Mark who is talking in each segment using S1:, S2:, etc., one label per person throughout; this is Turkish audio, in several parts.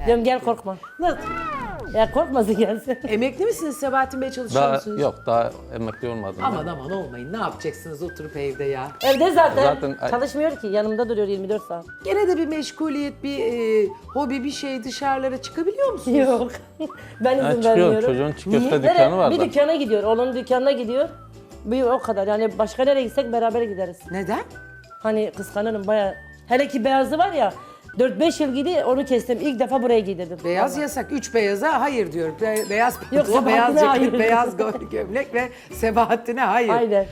S1: Diyorum gel korkma.
S2: Nasıl?
S1: Ya korkmasın gelsin.
S2: Emekli misiniz Sebahattin Bey, çalışıyor
S3: Daha
S2: musunuz?
S3: yok, daha emekli olmadım.
S2: Aman aman olmayın, ne yapacaksınız oturup evde ya?
S1: Evde zaten,
S3: Zaten-
S1: çalışmıyor ki. Yanımda duruyor 24 saat.
S2: Gene de bir meşguliyet, bir hobi, bir şey, dışarılara çıkabiliyor musunuz?
S1: Yok. Ben izin
S3: Ha, çıkıyor,
S1: vermiyorum.
S3: çocuğun çiğ köfte
S2: Niye?
S3: dükkanı var
S1: Bir
S3: da.
S1: dükkana gidiyor. Onun dükkanına gidiyor. Bir o kadar. Yani başka nereye gitsek beraber gideriz.
S2: Neden?
S1: Hani kıskanırım bayağı. Hele ki beyazı var ya. 4-5 yıl giydi onu kestim. İlk defa buraya giydirdim.
S2: Beyaz
S1: Vallahi.
S2: yasak. 3 beyaza hayır diyor. Beyaz
S1: Yok,
S2: pantolon, beyaz
S1: Sebahattin'e
S2: ceket,
S1: hayır.
S2: beyaz gömlek ve Sebahattin'e hayır.
S1: Aynen.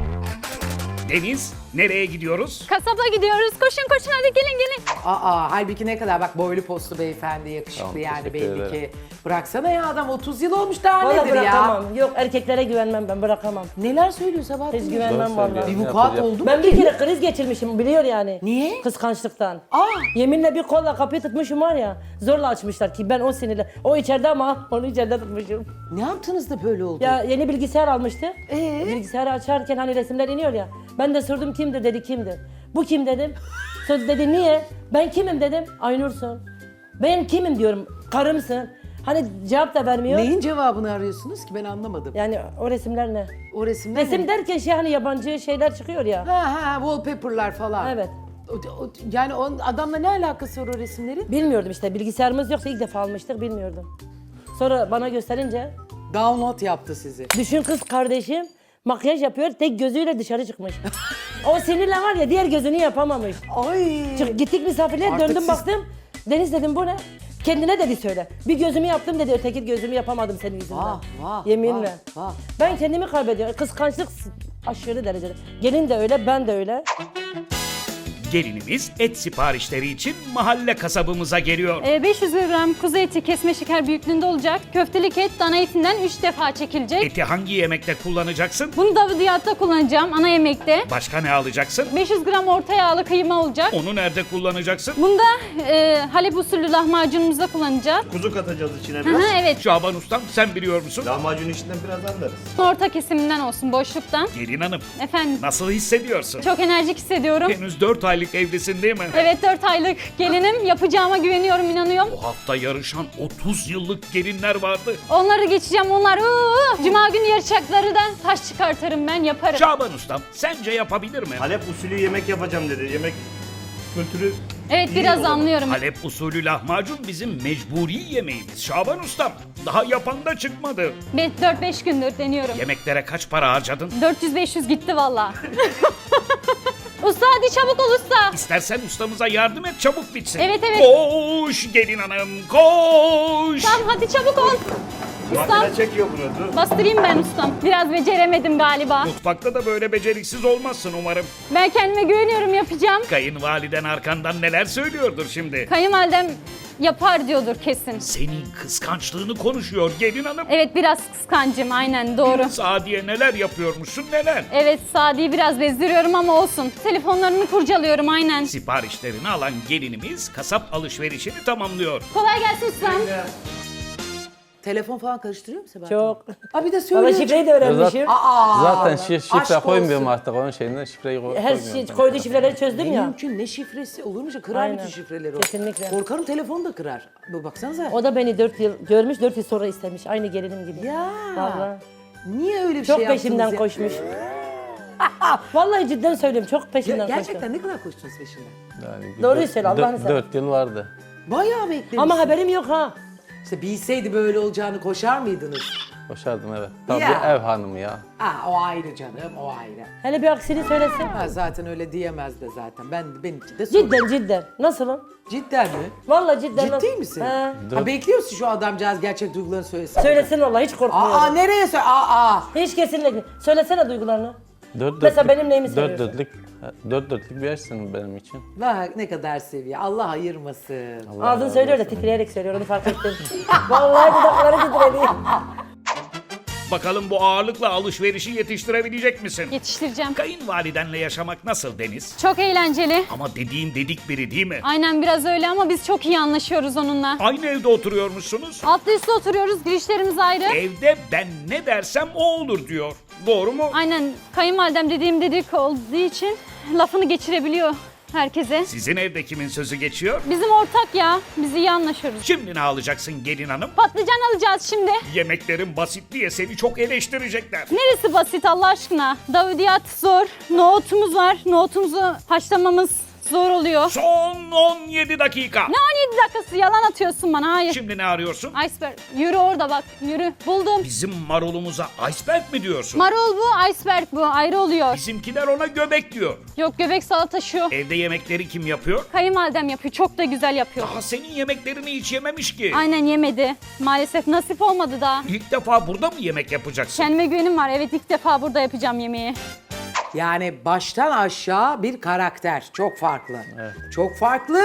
S4: Deniz, nereye gidiyoruz?
S5: Kasaba gidiyoruz. Koşun koşun hadi gelin gelin.
S2: Halbuki ne kadar bak boylu postlu beyefendi, yakışıklı
S3: Tamam,
S2: yani
S3: teşekkür
S2: belli
S3: ederim.
S2: ki. Bıraksana ya, adam 30 yıl olmuş, daha
S1: Vallahi
S2: nedir ya?
S1: bırakamam. Yok erkeklere güvenmem ben bırakamam.
S2: Neler söylüyor Sebahattin
S1: Hiç
S2: Bey?
S1: güvenmem
S3: Doğru
S1: vallahi.
S3: söylüyor.
S2: Bir
S3: Ne
S2: vukuat
S3: yapacak?
S2: oldu mu?
S1: Ben bir kere kriz geçirmişim biliyor yani.
S2: Niye?
S1: Kıskançlıktan.
S2: Aa!
S1: Yeminle bir kolla kapıyı tutmuşum var ya. Zorla açmışlar ki ben o sinirle. O içeride ama onu içeride tutmuşum.
S2: Ne yaptınız da böyle oldu?
S1: Ya yeni bilgisayar almıştı.
S2: Ee?
S1: Bilgisayarı açarken hani resimler iniyor ya. Ben de sordum kimdir dedi kimdir. Bu kim dedim. Söz dedi niye? Ben kimim dedim. Aynur'sun. Ben kimim diyorum. Karımsın. Hani cevap da vermiyor.
S2: Neyin cevabını arıyorsunuz ki, ben anlamadım.
S1: Yani o resimler ne?
S2: O resimler
S1: Resim
S2: ne?
S1: derken şey hani yabancı şeyler çıkıyor ya.
S2: Ha wallpaper'lar falan.
S1: Evet.
S2: Yani onun adamla ne alakası var o resimlerin?
S1: Bilmiyordum işte bilgisayarımız yoksa ilk defa almıştık bilmiyordum. Sonra bana gösterince
S2: Download yaptı sizi.
S1: düşün kız kardeşim makyaj yapıyor tek gözüyle dışarı çıkmış. O sinirle var ya diğer gözünü yapamamış.
S2: Ay.
S1: Gittik misafirliğe
S2: Artık
S1: döndüm
S2: siz-
S1: baktım. Deniz dedim bu ne? Kendine dedi söyle. Bir gözümü yaptım dedi öteki gözümü yapamadım senin yüzünden.
S2: Vah vah.
S1: Yeminle.
S2: Vah, vah.
S1: Ben kendimi kaybediyorum. Kıskançlık aşırı derecede. Gelin de öyle ben de öyle.
S4: Gelinimiz et siparişleri için mahalle kasabımıza geliyor.
S5: 500 gram kuzu eti kesme şeker büyüklüğünde olacak. Köftelik et dana etinden 3 defa çekilecek.
S4: Eti hangi yemekte kullanacaksın?
S5: Bunu davadiyatta kullanacağım ana yemekte.
S4: Başka ne alacaksın?
S5: 500 gram orta yağlı kıyma olacak.
S4: Onu nerede kullanacaksın?
S5: Bunu da Halep usulü lahmacunumuzda kullanacağız.
S6: Kuzu katacağız içine
S5: Hı
S6: biraz.
S5: hı, evet.
S4: Şaban Ustam sen biliyor musun?
S6: Lahmacun içinden biraz anlarız.
S5: Orta kesiminden olsun boşluktan.
S4: Gelin hanım
S5: Efendim
S4: nasıl hissediyorsun?
S5: çok enerjik hissediyorum.
S4: Henüz 4 aylık evlisin değil mi?
S5: Evet 4 aylık gelinim. Yapacağıma güveniyorum, inanıyorum.
S4: Bu hafta yarışan 30 yıllık gelinler vardı.
S5: Onları geçeceğim, onlar. Cuma günü yarışacaklarından taş çıkartırım ben, yaparım.
S4: Şaban Ustam sence yapabilir mi?
S6: Halep usulü yemek yapacağım dedi. Yemek kültürü
S5: Evet
S6: iyi
S5: biraz
S6: olan.
S5: anlıyorum.
S4: Halep usulü lahmacun bizim mecburi yemeğimiz Şaban Ustam. Daha yapan da çıkmadı.
S5: 4-5 gündür deniyorum.
S4: Yemeklere kaç para harcadın?
S5: 400-500 gitti valla. Usta hadi çabuk ol usta.
S4: İstersen ustamıza yardım et çabuk bitsin.
S5: Evet, evet.
S4: Koş gelin hanım koş.
S5: Tamam hadi çabuk ol. Ustam
S6: Makine çekiyor bunu. Dur.
S5: bastırayım ben ustam. Biraz beceremedim galiba.
S4: Mutfakta da böyle beceriksiz olmazsın umarım.
S5: Ben kendime güveniyorum, yapacağım.
S4: Kayınvaliden arkandan neler söylüyordur şimdi.
S5: Kayınvalidem yapar diyordur kesin.
S4: Senin kıskançlığını konuşuyor gelin hanım.
S5: Evet biraz kıskancım, aynen doğru.
S4: Sadiye neler yapıyormuşsun neler.
S5: Evet Sadi'yi biraz bezdiriyorum ama olsun. Telefonlarını kurcalıyorum aynen.
S4: Siparişlerini alan gelinimiz kasap alışverişini tamamlıyor.
S5: Kolay gelsin ustam.
S2: Telefon falan karıştırıyor mu Sebahattin?
S1: Çok.
S2: Abi de
S1: Valla
S2: söylüyor.
S1: şifreyi de öğrenmişim.
S3: Zaten şifre
S2: aşk
S3: koymuyorum
S2: olsun.
S3: artık onun şeyinden şifreyi
S1: Her
S3: koymuyorum.
S1: şey
S3: ben.
S1: koyduğu şifreleri çözdüm
S2: Ne
S1: ya.
S2: mümkün, ne şifresi olur mu? Kırar
S1: Aynen.
S2: bütün şifreleri o.
S1: Kesinlikle.
S2: Korkarım telefonu da kırar. Baksanıza.
S1: O da beni 4 yıl görmüş 4 yıl sonra istemiş. Aynı gelinim gibi.
S2: Ya.
S1: Vallahi.
S2: Niye öyle bir
S1: Çok
S2: şey yaptınız
S1: peşimden
S2: ya?
S1: koşmuş. Vallahi cidden söylüyorum çok peşimden
S2: Gerçekten
S1: koştum.
S2: ne kadar koştunuz peşinden?
S3: Yani
S1: Doğruyu söyle, Allah'ını seversen.
S3: 4 yıl vardı.
S2: Bayağı beklemiş.
S1: Ama haberim yok ha.
S2: İşte bilseydi böyle olacağını koşar mıydınız?
S3: Boşardım evet. Tabii
S2: Ya.
S3: ev hanımı ya.
S2: O ayrı canım, o ayrı.
S1: Hele bir aksini söylesin.
S2: Ha, zaten öyle diyemez de zaten. Benimki de sorun.
S1: Cidden. Nasılım?
S2: Cidden mi?
S1: Vallahi cidden.
S2: Ciddi misin?
S1: He.
S2: Ha, bekliyorsun şu adamcağız gerçek duygularını söylesin.
S1: Söylesin vallahi hiç korkmuyorum.
S2: Nereye söyle?
S1: Hiç kesinlikle. Söylesene duygularını.
S3: 4
S1: Mesela benim neyimi seviyorsun?
S3: 4 dörtlük bir yaşsın benim için.
S2: Bak ne kadar seviyor. Allah ayırmasın.
S1: Ağzın söylüyor da titreyerek söylüyor onu fark ettim. Vallahi dudakları titredi.
S4: Bakalım bu ağırlıkla alışverişi yetiştirebilecek misin?
S5: Yetiştireceğim.
S4: Kayınvalidenle yaşamak nasıl Deniz?
S5: Çok eğlenceli.
S4: Ama dediğin dedik biri değil mi?
S5: Aynen biraz öyle ama biz çok iyi anlaşıyoruz onunla.
S4: Aynı evde oturuyormuşsunuz.
S5: Altlı üstlü oturuyoruz, girişlerimiz ayrı.
S4: Evde ben ne dersem o olur diyor. Doğru mu?
S5: Aynen kayınvalidem dediğim dedik olduğu için lafını geçirebiliyor. herkese.
S4: Sizin evde kimin sözü geçiyor?
S5: Bizim ortak ya. Biz iyi anlaşıyoruz.
S4: Şimdi ne alacaksın gelin hanım?
S5: Patlıcan alacağız şimdi.
S4: Yemeklerin basit diye seni çok eleştirecekler.
S5: Neresi basit Allah aşkına? Davudiyat zor. Nohutumuz var. Nohutumuzu haşlamamız zor oluyor.
S4: Son 17 dakika.
S5: Ne 17 dakikası? Yalan atıyorsun bana. Hayır.
S4: Şimdi ne arıyorsun?
S5: Iceberg. Yürü orada bak. Yürü. Buldum.
S4: Bizim marulumuza iceberg mi diyorsun?
S5: Marul bu, iceberg bu. Ayrı oluyor.
S4: Bizimkiler ona göbek diyor.
S5: Yok, göbek salata şu.
S4: Evde yemekleri kim yapıyor?
S5: Kayınvalidem yapıyor. Çok da güzel yapıyor.
S4: Daha senin yemeklerini hiç yememiş ki.
S5: Aynen, yemedi. Maalesef nasip olmadı daha.
S4: İlk defa burada mı yemek yapacaksın?
S5: Kendime güvenim var. Evet, ilk defa burada yapacağım yemeği.
S2: Yani baştan aşağı bir karakter. Çok farklı. Çok farklı.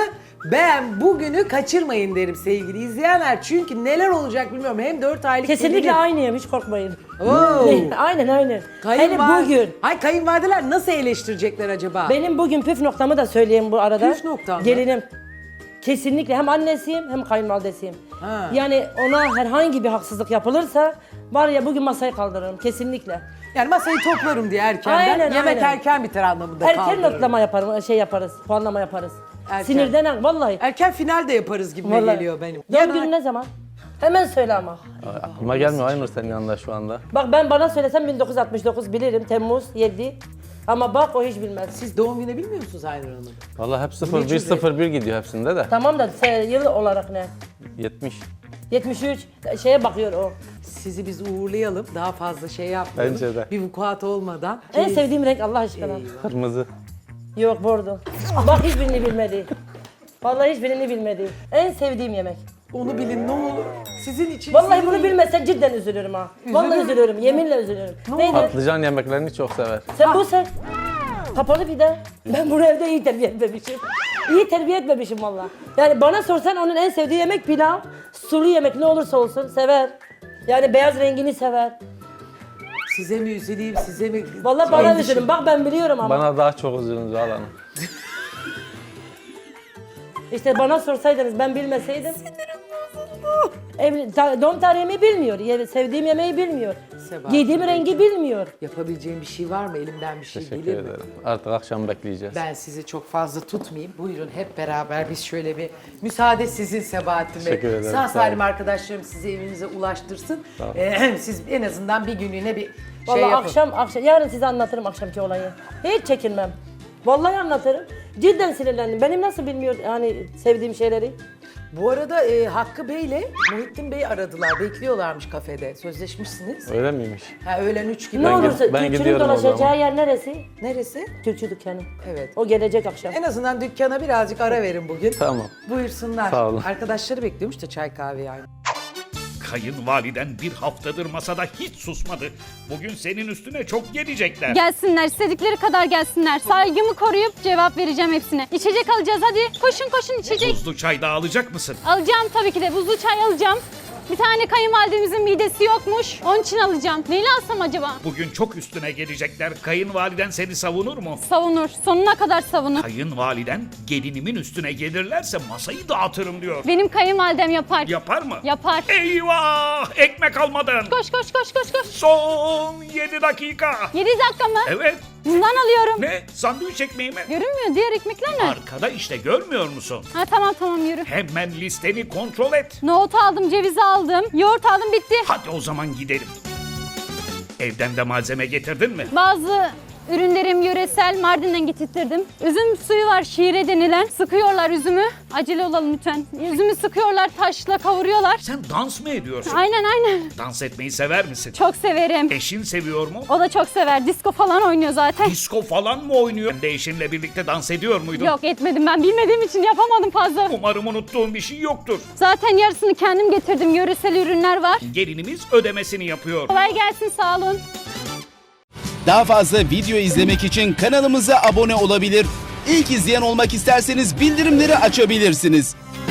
S2: Ben bugünü kaçırmayın derim sevgili izleyenler. Çünkü neler olacak bilmiyorum. Hem 4 aylık
S1: Kesinlikle
S2: gelinin-
S1: aynıyım, hiç korkmayın.
S2: Oo.
S1: Aynen. Hele bugün.
S2: Hay kayınvalideler nasıl eleştirecekler acaba?
S1: Benim bugün püf noktamı da söyleyeyim bu arada.
S2: Püf noktan mı?
S1: Gelinim. Kesinlikle hem annesiyim hem kayınvalidesiyim.
S2: Ha.
S1: Yani ona herhangi bir haksızlık yapılırsa var ya bugün masayı kaldırırım kesinlikle.
S2: Yani masayı toplarım diye erkenden.
S1: Aynen,
S2: Yemek
S1: aynen.
S2: erken biter anlamında
S1: Erken
S2: kaldırırım.
S1: notlama yaparım, yaparız, puanlama yaparız.
S2: Erken.
S1: Sinirden vallahi.
S2: Erken final de yaparız gibi
S1: Vallahi.
S2: geliyor benim.
S1: Doğum günü ne zaman? Hemen söyle ama.
S3: Aklıma gelmiyor Aynur senin yanında şu anda.
S1: Bak ben bana söylesem 1969 bilirim, Temmuz 7. Ama bak o hiç bilmez.
S2: Siz doğum günü bilmiyor musunuz Aynur Hanım?
S3: Vallahi hep 0101 gidiyor hepsinde de.
S1: Tamam da yıl olarak ne?
S3: 70.
S1: 73 şeye bakıyor o.
S2: Sizi biz uğurlayalım. Daha fazla şey yapmayalım.
S3: Bence de.
S2: Bir vukuat olmadan.
S1: En sevdiğim renk Allah aşkına.
S3: Kırmızı.
S1: Yok bordo. Bak hiçbirini bilmedi. Vallahi hiçbirini bilmedi. En sevdiğim yemek.
S2: Onu bilin ne olur. Sizin için.
S1: Vallahi
S2: sizin
S1: bunu
S2: iyi.
S1: bilmezsen cidden üzülürüm ha. Vallahi üzülürüm, yeminle üzülürüm. Neydi?
S3: Patlıcan yemeklerini çok sever.
S1: Sen. Kapalı bir de. Ben bunu evde iyi terbiye etmemişim. İyi terbiye etmemişim vallahi. Yani bana sorsan onun en sevdiği yemek pilav. Sulu yemek ne olursa olsun sever. Yani beyaz rengini sever.
S2: Size mi üzüleyim, size mi?
S1: Vallahi bana
S2: Endişe-
S1: üzülün. Bak ben biliyorum ama.
S3: Bana daha çok üzülün Zuhal Hanım.
S1: İşte bana sorsaydınız ben bilmeseydim. Doğum tarihimi bilmiyor. Sevdiğim yemeği bilmiyor.
S2: Sebahat.
S1: Giydiğim rengi bilmiyor.
S2: Yapabileceğim bir şey var mı? Elimden bir şey
S3: Teşekkür
S2: gelir mi?
S3: ederim. Artık akşam bekleyeceğiz.
S2: Ben sizi çok fazla tutmayayım. Buyurun hep beraber biz şöyle bir müsaade sizin Sebahattin Bey.
S3: Teşekkür ederim,
S2: Sağ
S3: sağ
S2: salim
S3: olun.
S2: arkadaşlarım sizi evinize ulaştırsın.
S3: Sağ olun.
S2: Siz en azından bir günlüğüne bir
S1: Vallahi
S2: şey yapın.
S1: akşam yarın size anlatırım akşamki olayı. Hiç çekinmem. Vallahi anlatırım. Cidden sinirlendim. Benim nasıl bilmiyor yani sevdiğim şeyleri.
S2: Bu arada Hakkı Bey ile Muhittin Bey aradılar. Bekliyorlarmış kafede. Sözleşmişsiniz.
S3: Öyle miymiş?
S2: Ha, öğlen 3 gibi.
S1: Ne
S3: Ben
S1: olursa
S3: ben
S1: Türkçünün
S3: gidiyorum o
S1: dolaşacağı
S3: zaman.
S1: yer neresi?
S2: Neresi?
S1: Türkçü dükkanı.
S2: Evet.
S1: O gelecek akşam.
S2: En azından dükkana birazcık ara verin bugün.
S3: Tamam.
S2: Buyursunlar.
S3: Sağ olun.
S2: Arkadaşları bekliyormuş da çay kahve yani.
S4: Kayınvaliden bir haftadır masada hiç susmadı. Bugün senin üstüne çok gelecekler.
S5: Gelsinler, istedikleri kadar gelsinler. Saygımı koruyup cevap vereceğim hepsine. İçecek alacağız hadi. Koşun içecek.
S4: Buzlu çay da alacak mısın?
S5: Alacağım tabii ki de. Buzlu çay alacağım. Bir tane kayınvalidemizin midesi yokmuş. Onun için alacağım. Neyle alsam acaba?
S4: Bugün çok üstüne gelecekler. Kayınvaliden seni savunur mu?
S5: Savunur. Sonuna kadar savunur.
S4: Kayınvaliden gelinimin üstüne gelirlerse masayı dağıtırım diyor.
S5: Benim kayınvalidem yapar.
S4: Yapar mı?
S5: Yapar.
S4: Eyvah! Ekmek almadın.
S5: Koş.
S4: Son 7 dakika.
S5: 7 dakika mı?
S4: Evet.
S5: Bundan alıyorum.
S4: Ne? Sandviç ekmeği mi?
S5: Görünmüyor. Diğer ekmekler ne?
S4: Arkada işte görmüyor musun?
S5: Ha tamam yürü.
S4: Hemen listeni kontrol et.
S5: Nohut aldım, ceviz aldım, yoğurt aldım, bitti.
S4: Hadi o zaman gidelim. Evden de malzeme getirdin mi?
S5: Bazı ürünlerim yöresel, Mardin'den getirttirdim. Üzüm suyu var, şire denilen. Sıkıyorlar üzümü. Acele olalım lütfen. Üzümü sıkıyorlar, taşla kavuruyorlar.
S4: Sen dans mı ediyorsun?
S5: Aynen.
S4: Dans etmeyi sever misin?
S5: Çok severim.
S4: Eşin seviyor mu?
S5: O da çok sever. Disko falan oynuyor zaten.
S4: Disko falan mı oynuyor? Sen de eşinle birlikte dans ediyor muydun?
S5: Yok etmedim, ben bilmediğim için yapamadım fazla.
S4: Umarım unuttuğun bir şey yoktur.
S5: Zaten yarısını kendim getirdim. Yöresel ürünler var.
S4: Gelinimiz ödemesini yapıyor.
S5: Kolay gelsin, sağ olun.
S7: Daha fazla video izlemek için kanalımıza abone olabilir. İlk izleyen olmak isterseniz bildirimleri açabilirsiniz.